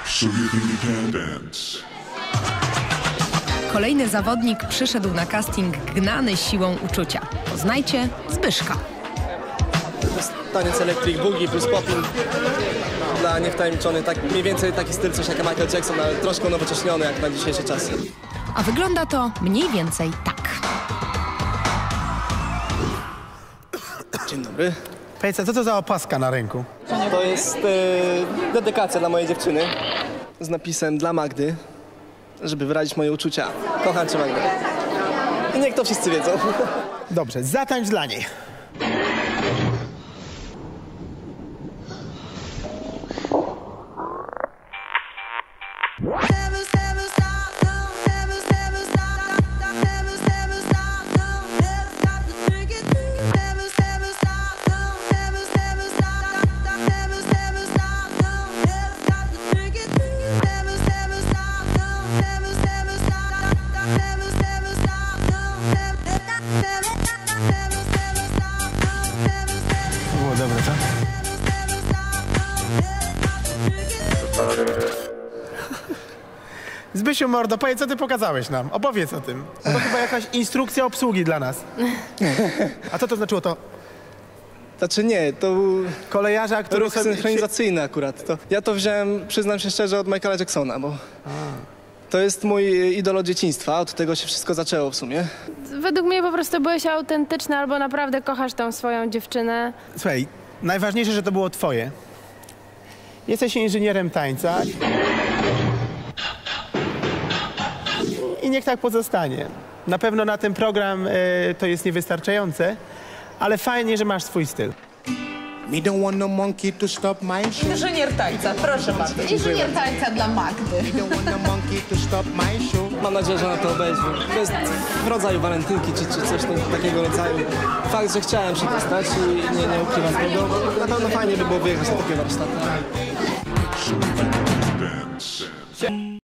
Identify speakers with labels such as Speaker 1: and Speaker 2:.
Speaker 1: Soviet Independence.
Speaker 2: Kolejny zawodnik przyszedł na casting gnany siłą uczucia. Poznajcie Zbyszka.
Speaker 3: To jest taniec electric boogie plus popping. Dla niewtajemniczonych, tak mniej więcej taki styl, coś jak Michael Jackson, ale troszkę unowocześniony jak na dzisiejsze czasy.
Speaker 2: A wygląda to mniej więcej tak.
Speaker 3: Dzień dobry.
Speaker 4: Powiedz, co to za opaska na ręku?
Speaker 3: To jest dedykacja dla mojej dziewczyny z napisem dla Magdy, żeby wyrazić moje uczucia. Kocham cię, Magda. I niech to wszyscy wiedzą.
Speaker 4: Dobrze, zatańcz dla niej. Było dobre, co? Zbysiu, mordo, powiedz, co ty pokazałeś nam? Opowiedz o tym. To chyba jakaś instrukcja obsługi dla nas. A co to znaczyło to?
Speaker 3: Znaczy nie, to był
Speaker 4: Kolejarza, który
Speaker 3: ruch synchronizacyjny akurat. Ja to wziąłem, przyznam się szczerze, od Michaela Jacksona, bo to jest mój idol od dzieciństwa. Od tego się wszystko zaczęło w sumie.
Speaker 5: Według mnie po prostu byłeś autentyczny albo naprawdę kochasz tą swoją dziewczynę.
Speaker 4: Słuchaj, najważniejsze, że to było twoje. Jesteś inżynierem tańca. I niech tak pozostanie. Na pewno na ten program to jest niewystarczające, ale fajnie, że masz swój styl.
Speaker 6: Me don't want no monkey to stop my show.
Speaker 7: Inżynier tańca, proszę bardzo. Inżynier tańca dla Magdy.
Speaker 6: Me don't want no monkey to stop my show.
Speaker 3: Mam nadzieję, że na to obejrzy. To jest w rodzaju walentynki czy coś takiego rodzaju. Fakt, że chciałem się dostać i nie ukrywam tego. Na pewno fajnie by było wyjechać na takie warsztaty.
Speaker 1: Soviet Independence.